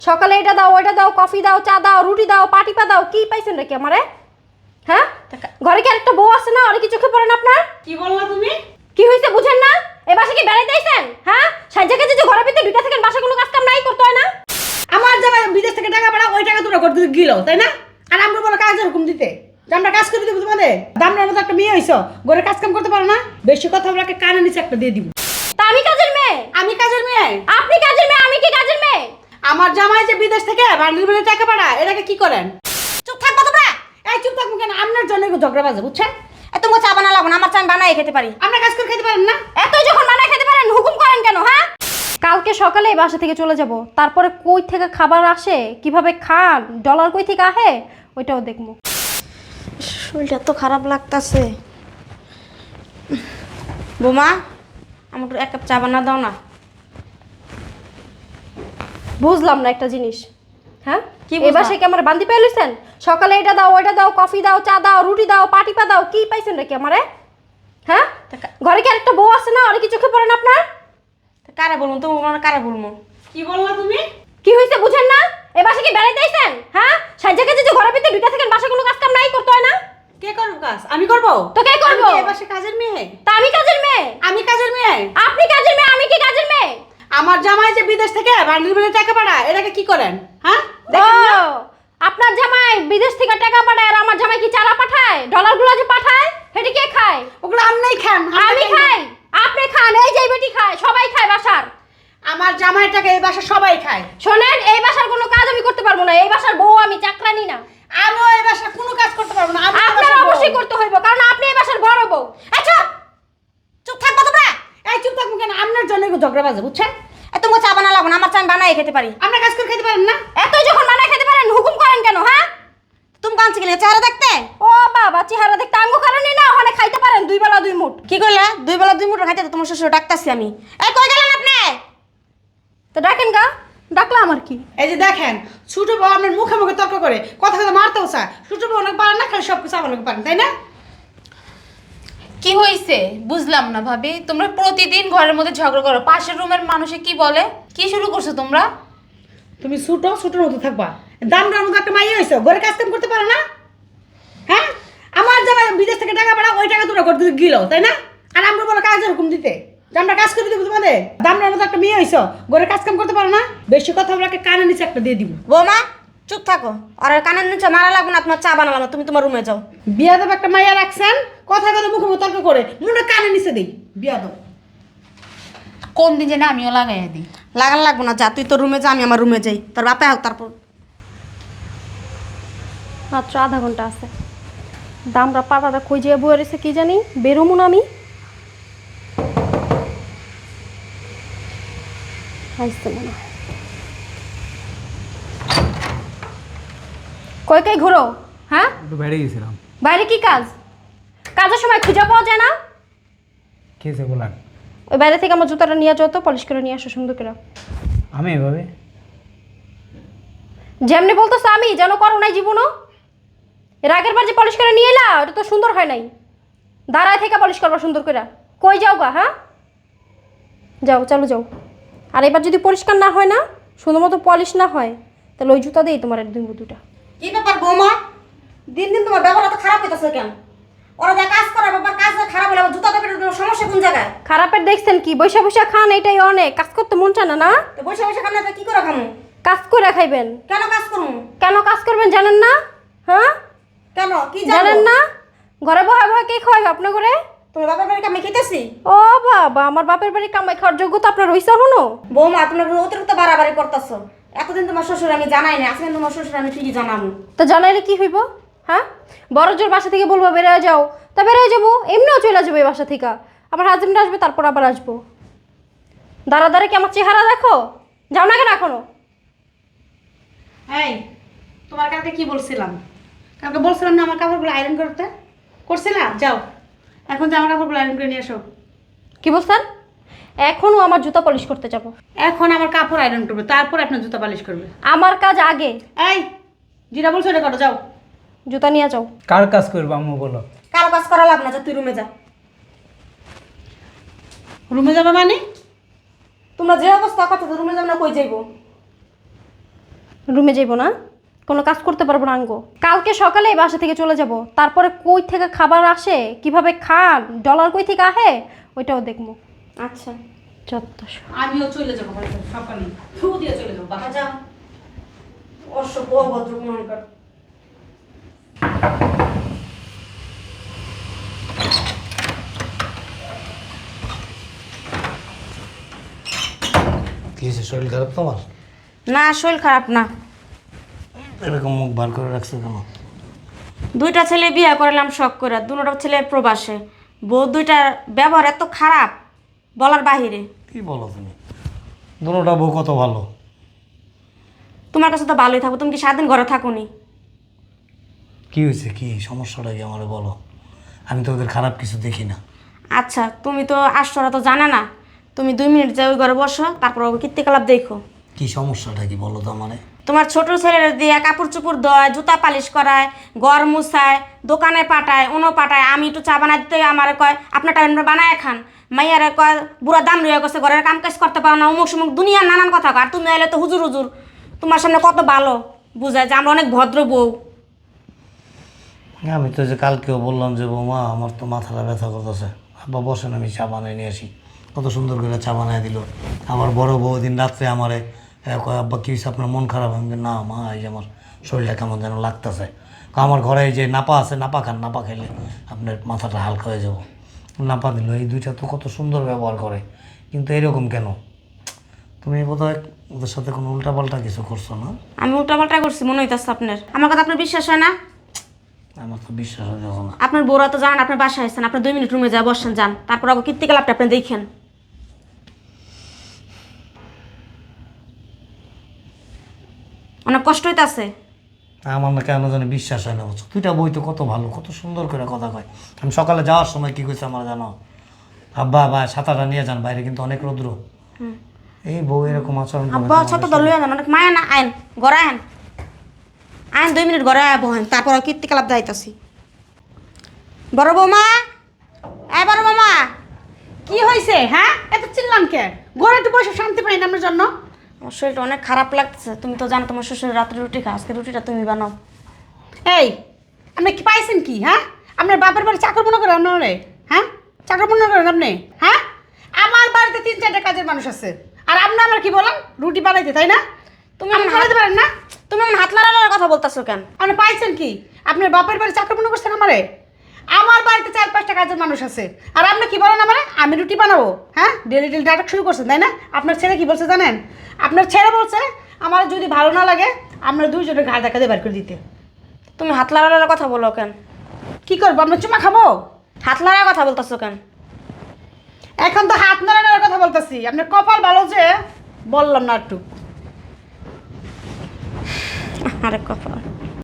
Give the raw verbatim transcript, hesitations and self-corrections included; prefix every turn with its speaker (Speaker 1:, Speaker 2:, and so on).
Speaker 1: সকালে এটা দাও, ওইটা দাও, কফি দাও, চা দাও, রুটি দাও, পাটিপা দাও, কি পাইছেন নাকি আমারে? হ্যাঁ, ঘরে কি আরেকটা বউ আছে না? আর কি চোখে পড়ে না আপনার?
Speaker 2: কি বললা তুমি?
Speaker 1: কি হইছে বুঝেন না? এই বাসা কি বেড়াইতে আইছেন? হ্যাঁ, সাজ্জাকে যে ঘরের ভিতরে দুইটা থাকেন, বাসা কোনো কাজ কাম নাই করতে হয় না?
Speaker 2: আমার জামাই বিদেশ থেকে টাকা পাঠা, ওই টাকা তোরা করতে গিলো, তাই না? আর আমরা বলো কাজের হুকুম দিতে যে আমরা কাজ করে দিব তোমাদের। দামরার মতো একটা মেয়ে হইছো, ঘরে কাজ কাম করতে পারো না? বেশি কথা বলে কানে নিচে একটা দিয়ে দিব।
Speaker 1: তা আমি কাজের মেয়ে?
Speaker 2: আমি কাজের মেয়ে?
Speaker 1: আপনি কাজের মেয়ে, আমি কি কাজের মেয়ে?
Speaker 2: আমার জামাই যে বিদেশ থেকে বান্ডিল মিলে টাকা পাঠা, এটাকে কি করেন? চুপ থাকবো তোমরা। এই চুপ থাকবো কেন? আপনার জন্য ঝগড়া বাজে, বুঝছেন?
Speaker 3: এত মোচা বানা লাগবো না, আমার চা বানাই খেতে পারি।
Speaker 2: আমরা কাজ করে খেতে পারেন না?
Speaker 1: এতই যখন মানা খেতে পারেন, হুকুম করেন কেন? হ্যাঁ, কালকে সকালে এই বাসা থেকে চলে যাব, তারপরে কই থেকে খাবার আসে, কিভাবে খান, ডলার কই থেকে আহে, ওইটাও দেখবো।
Speaker 3: শরীরটা তো খারাপ লাগতাছে। বোমা, আমাকে এক কাপ চা বানা দাও না।
Speaker 1: বুঝলাম না একটা জিনিস। হ্যাঁ,
Speaker 3: কি
Speaker 1: এই
Speaker 3: বুঝলা?
Speaker 1: বাসায় কি আমার বান্দি পেয়েছেন? সকালে এটা দাও, ওইটা দাও, কফি দাও, চা দাও, রুটি দাও, পাটিপা দাও, কি পাইছেন নাকি আমারে? হ্যাঁ, ঘরে কি আরেকটা বউ আছে না? আর কি চোখে পড়ে না আপনার?
Speaker 3: কারে বলবো তো, কারে বলবো?
Speaker 2: কি বললা তুমি?
Speaker 1: কি হইছে বুঝেন না? এই বাসায় কি বেড়াইতে আইছেন? হ্যাঁ, সাজ্জাকে যে ঘরের ভিতরে দুইটা থাকেন, বাসা কোনো কাজ কাম নাই করতে হয় না?
Speaker 2: কে করবো কাজ? আমি করবো?
Speaker 1: তো কে করবো?
Speaker 2: আমি কি এ বাসায় কাজের মেয়ে?
Speaker 1: তা আমি কাজের মেয়ে?
Speaker 2: আমি কাজের মেয়ে?
Speaker 1: আপনি কাজের মেয়ে, আমি কি কাজের মেয়ে?
Speaker 2: আমার জামাই যে বিদেশ থেকে বান্ডিল মিলে টাকা পাঠা, এটাকে কি করেন? হ্যাঁ,
Speaker 1: ও,
Speaker 2: দেখেন না?
Speaker 1: আপনার জামাই বিদেশ থেকে টাকা পাঠায়, আর আমার জামাই কি চারা পাঠায়? ডলারগুলো যে পাঠায়, সেটা কে খায়?
Speaker 2: ওগুলো আমরাই খান।
Speaker 1: আমি খাই, আপনি খান, এই যে বেটি খায়, সবাই খায় বাসার।
Speaker 2: আমার জামাইটাকে এই বাসা সবাই খায়।
Speaker 1: শোনেন, এই বাসার কোনো কাজ আমি করতে পারবো না, এই বাসার বউ আমি, চাকরানি না।
Speaker 2: আমিও এই বাসা কোনো কাজ করতে পারবো না। আমি এই
Speaker 1: আপনার
Speaker 2: বাসার বউ।
Speaker 1: অবশ্যই করতে হইব, কারণ আপনি এই বাসার বড় বউ।
Speaker 2: আচ্ছা, চুপ থাকবো তোমরা। এই চুপ থাকবো কেন? আপনার জন্য ঝগড়া বাজে, বুঝছেন?
Speaker 3: এত মোচা বানা লাগবো না, আমার চা বানাই খেতে পারি।
Speaker 2: আমরা কাজ করে খেতে পারেন না?
Speaker 1: এতই যখন মানা খেতে পারেন, হুকুম করেন কেন? হ্যাঁ,
Speaker 3: তুমি কাঁদছি গেলে চেহারা দেখতে?
Speaker 1: ও বাবা, চেহারা দেখতে আঙ্গু কারণে না, ওখানে খাইতে পারেন দুই বেলা দুই মুঠ।
Speaker 3: কি করলে? দুই বেলা দুই মুঠো খাইতে তো তোমার শ্বশুর ডাকতাছি আমি। এই কই গেলেন আপনি?
Speaker 1: তো ডাকেন গা, ডাকলা আমার কি?
Speaker 2: এই যে দেখেন, ছোট বউ আপনার মুখে মুখে তর্ক করে, কথা কথা মারতেও চায়। ছোট বউ অনেক পারেন না, খালি সব কিছু আপনাকে পারেন, তাই না?
Speaker 4: কি হয়েছে বুঝলাম না ভাবি, তোমরা প্রতিদিন ঘরের মধ্যে ঝগড়া করো। পাশের রুমের মানুষে কি বলে? কি শুরু করছো তোমরা?
Speaker 2: তুমি ছোট ছোটোর মতো থাকবা। দামটার মতো একটা মাইয়া হয়েছো, ঘরে কাজ কাম করতে পারো না? হ্যাঁ, আমার জামাই বিদেশ থেকে টাকা পাঠা, ওই টাকা তোরা করতে গিলো, তাই না? আর আমরা বলো কাজের হুকুম দিতে যে আমরা কাজ করে দিব তোমাদের। দামটার মতো একটা মেয়ে হয়েছো, ঘরে কাজ কাম করতে পারো না? বেশি কথা বলে কানে নিচে একটা দিয়ে দিব।
Speaker 3: বৌমা, চুপ থাকো। আর কানের নিচে মারা লাগবো না, তোমার চা বানালাম না, তুমি তোমার রুমে যাও।
Speaker 2: বিয়াদব একটা মাইয়া রাখছেন, কথা কথা মুখে মুখে তর্ক করে, মুখে কানে নিচে দিই। বিয়াদব।
Speaker 4: কোন দিন জানি আমিও লাগাইয়া দিই।
Speaker 3: লাগান লাগবো না, যা তুই তোর রুমে যা, আমি আমার রুমে যাই। তোর বাপে হোক তারপর।
Speaker 1: মাত্র আধা ঘন্টা আছে, দামরা পাড়াটা কই যেয়ে বয়ে রয়েছে কি জানি, বেরোমু না আমি। আসতে মনে হয়। কই কই ঘুরো? হ্যাঁ,
Speaker 5: একটু বাইরে গেছিলাম।
Speaker 1: বাইরে কি কাজ? কাজের সময় খুঁজে পাওয়া যায় না?
Speaker 5: খেয়েছে বলার
Speaker 1: ওই বাইরে থেকে আমার জুতাটা নিয়ে যাও তো, পলিশ করে নিয়ে আসো সুন্দর করে।
Speaker 5: আমি এভাবে
Speaker 1: যেমনি বলতেছো আমি যেন করো নাই জীবনও। এর আগের বার যে পলিশ করে নিয়ে এলা, ওটা তো সুন্দর হয় নাই। দাঁড়ায় থেকে পলিশ করবা সুন্দর করে। কই যাও গা? হ্যাঁ, যাও, চালু যাও। আর এবার যদি পরিষ্কার না হয় না, সুন্দর মতো পলিশ না হয়, তাহলে ওই জুতা দিই তোমার একদিন দুটা।
Speaker 3: কি ব্যাপার বৌমা? দিন দিন তোমার ব্যবহার তো খারাপ হইতেছে কেন? ওরা যা কাজ করে ব্যাপার, কাজ খারাপ হলে আবার জুতা প্যাকেটের সমস্যা কোন জায়গায়?
Speaker 1: খারাপের দেখছেন কি? বৈশা বৈশা খান, এটাই অনেক। কাজ করতে মন চায় না না?
Speaker 3: তো বসে বসে খানা কি করে খামু?
Speaker 1: কাজ করে খাইবেন।
Speaker 3: কেন কাজ করবো?
Speaker 1: কেন কাজ করবেন জানেন না? হ্যাঁ,
Speaker 3: কেন কি
Speaker 1: জানেন না? ঘরে বসে বসে কে খাওয়াইবে আপনার করে?
Speaker 3: তোমার বাবার বাড়ি কামে খেতেছি?
Speaker 1: ও বাবা, আমার বাপের বাড়ি কামাই খাওয়ার যোগ্যতা আপনার রইছে হনো?
Speaker 3: বৌমা, তুমি অতিরিক্ত বাড়াবাড়ি করতেছো। এতদিন তোমার শ্বশুর আমি জানাই না, আজকে তোমার শ্বশুর আমি ঠিকই জানাবো।
Speaker 1: তো জানাইলে কি হইব? হ্যাঁ, বড় জোর বাসা থেকে বলবো বেরোয় যাও, তা বেরোয় যাবো, এমনিও চলে যাবো এই বাসা থেকে। আমার হাজবেন্ড আসবে, তারপর আবার আসবো। দাঁড়া দাঁড়া কি আমার চেহারা দেখো? যাও না কেন এখনো?
Speaker 2: এই, তোমার কালকে কি বলছিলাম? কালকে বলছিলাম না আমার কাপড়গুলো আয়রন করতে? করছিলাম? যাও, এখন যে আমার কাপড়গুলো আয়রন করে নিয়ে আসো।
Speaker 1: কি বলছেন? এখনও আমার জুতা পলিশ করতে যাব?
Speaker 2: এখন আমার কাপড় আয়রন করবে, তারপর আপনার জুতা পালিশ করবে।
Speaker 1: আমার কাজ আগে।
Speaker 2: এই, যেটা বলছো এটা করো, যাও।
Speaker 1: জুতা নিয়ে যাও।
Speaker 5: কার কাজ করবো আম্মু বলো?
Speaker 3: কারো কাজ করা লাগবে না, যা তুই রুমে যা।
Speaker 2: রুমে যাবে মানে?
Speaker 3: তোমরা যে অবস্থা কথা, রুমে যাবো না কই যাইবো?
Speaker 1: রুমে যাইবো না, কোনো কাজ করতে পারবো না আঙ্গো। কালকে সকালে এই বাসা থেকে চলে যাব, তারপরে কই থেকে খাবার আসে, কিভাবে খান, ডলার কই থেকে আহে, ওইটাও দেখবো।
Speaker 3: আচ্ছা
Speaker 1: যত
Speaker 2: আমিও চলে যাবো বাড়িতে সকালে, থু দিয়ে চলে যাবো বাসা।
Speaker 3: যাও অসভ্য অভদ্র মনকার।
Speaker 6: কি হয়েছে, শরীর খারাপ তোমার?
Speaker 3: না শরীর খারাপ না,
Speaker 6: এরকম মুখ বার করে রাখছো কেন?
Speaker 3: দুইটা ছেলে বিয়ে করলাম শখ করে, দুটো ছেলে প্রবাসে, বউ দুইটার ব্যবহার এত খারাপ বলার বাহিরে।
Speaker 6: কি বলো তুমি? দুটোটা বউ কত ভালো।
Speaker 3: তোমার কাছে তো ভালোই থাকবো, তুমি কি সারাদিন ঘরে থাকোনি?
Speaker 6: কি হয়েছে, কি সমস্যাটা কি আমারে বলো। আমি তো ওদের খারাপ কিছু দেখি না।
Speaker 3: আচ্ছা তুমি তো আশ্চর্য তো জানা না, তুমি দুই মিনিট যাও ওই ঘরে বসো, তারপর ওকে কীর্তিকলাপ দেখো।
Speaker 6: কি সমস্যাটা কি বলো তো আমারে।
Speaker 3: তোমার ছোট ছেলের দিয়ে কাপড় চোপড় দেয়, জুতা পালিশ করায়, ঘর মুছায়, দোকানে পাঠায়, অন্য পাঠায়। আমি একটু চা বানাই দিতে আমার কয় আপনার টাইম বানায় খান। মাইয়ারে কয় বুড়া দাম রয়ে গেছে, ঘরের কাম কাজ করতে পারো না, অমুক সমুক দুনিয়ার নানান কথা কয়। আর তুমি এলে তো হুজুর হুজুর, তোমার সামনে কত ভালো বুঝায় যে আমরা অনেক ভদ্র বউ।
Speaker 6: আমি তো যে কালকেও বললাম যে বৌমা আমার তো মাথাটা ব্যথা করতেছে, আব্বা বসেন আমি চা বানিয়ে নিয়ে আসি। কত সুন্দর করে চা বানিয়ে দিল। আমার বড় বউ দিন রাত্রে আমারে এ, কয় আব্বা কী হয়েছে আপনার মন খারাপ? আমি বলি, না মা এই যে আমার শরীরটা কেমন যেন লাগতেছে। আমার ঘরে এই যে নাপা আছে, নাপা খান, নাপা খেলে আপনার মাথাটা হালকা হয়ে যাব। নাপা দিল। এই দুইটা তো কত সুন্দর ব্যবহার করে, কিন্তু এরকম কেন? তুমি বোধহয় ওদের সাথে কোনো উল্টাপাল্টা কিছু করছো না?
Speaker 3: আমি উল্টাপাল্টা করছি মনে হইতেছে আপনার, আমার কথা আপনার বিশ্বাস হয় না?
Speaker 6: আমার তো বিশ্বাস হয়ে যাবো না।
Speaker 3: আপনার বউরা তো জানেন আপনার বাসায় আসছেন, আপনার দুই মিনিট রুমে যা বসেন যান, তারপর ওকে কীর্তিকলাপটা আপনি দেখেন। অনেক কষ্ট হইতাছে।
Speaker 6: আমার না কেন জানি বিশ্বাস হয় না বুঝছো। দুইটা বই তো কত ভালো, কত সুন্দর করে কথা কয়। আমি সকালে যাওয়ার সময় কী কইছে আমার জানো? আব্বা বা ছাতাটা নিয়ে যান, বাইরে কিন্তু অনেক রৌদ্র। এই বউ এরকম আচরণ করে
Speaker 3: আব্বা ছোট দল লইয়া যান, অনেক মায়া না। আইন ঘরে আইন, আইন দুই মিনিট ঘরে আয় বহেন, তারপর কীর্তিকলাপ যাইতাছি। বড় বৌমা, এ বড় বৌমা।
Speaker 2: কি হয়েছে হ্যাঁ, এত চিল্লাম কে? ঘরে তো বসে শান্তি পাই না আমার জন্য।
Speaker 3: আমার শরীরটা অনেক খারাপ লাগতেছে, তুমি তো জানো তোমার শ্বশুর রাত্রে রুটি খাও, আজকে রুটিটা তুমি বানাও।
Speaker 2: এই আপনি কি পাইছেন কি হ্যাঁ? আপনার বাপের বাড়ি চাকর মনে করেন আপনারে? হ্যাঁ চাকর মনে করেন আপনি? হ্যাঁ আমার বাড়িতে তিন চারটা কাজের মানুষ আছে, আর আপনি আমার কি বলেন রুটি বানাইতে, তাই না?
Speaker 3: তুমি
Speaker 2: আপনি
Speaker 3: আমার
Speaker 2: বানাইতে পারেন না?
Speaker 3: তুমি আমার হাত লাগানোর কথা বলতেছো কেন?
Speaker 2: আপনি পাইছেন কি? আপনার বাপের বাড়ি চাকর মনে করছেন আমারে? আমার বাড়িতে চার পাঁচটা কাজের মানুষ আছে, আর আপনি কি বলেন আমারে আমি রুটি বানাবো? হ্যাঁ ডেলি ডেলি নাটক শুরু করছেন, তাই না? আপনার ছেলে কি বলছে জানেন? আপনার ছেলে বলছে আমার যদি ভালো না লাগে আমরা দুইজনের ঘাড় দেখা দিয়ে বার করে দিতে।
Speaker 3: তুমি হাত লাগানোর কথা বলো কেন?
Speaker 2: কি করবো, আমরা চুমা খাবো?
Speaker 3: হাত লাগার কথা বলতেছো কেন?
Speaker 2: এখন তো হাত নাড়ানোর কথা বলতেছি। আপনার কপাল ভালো যে বললাম না একটু।
Speaker 3: আরে কথা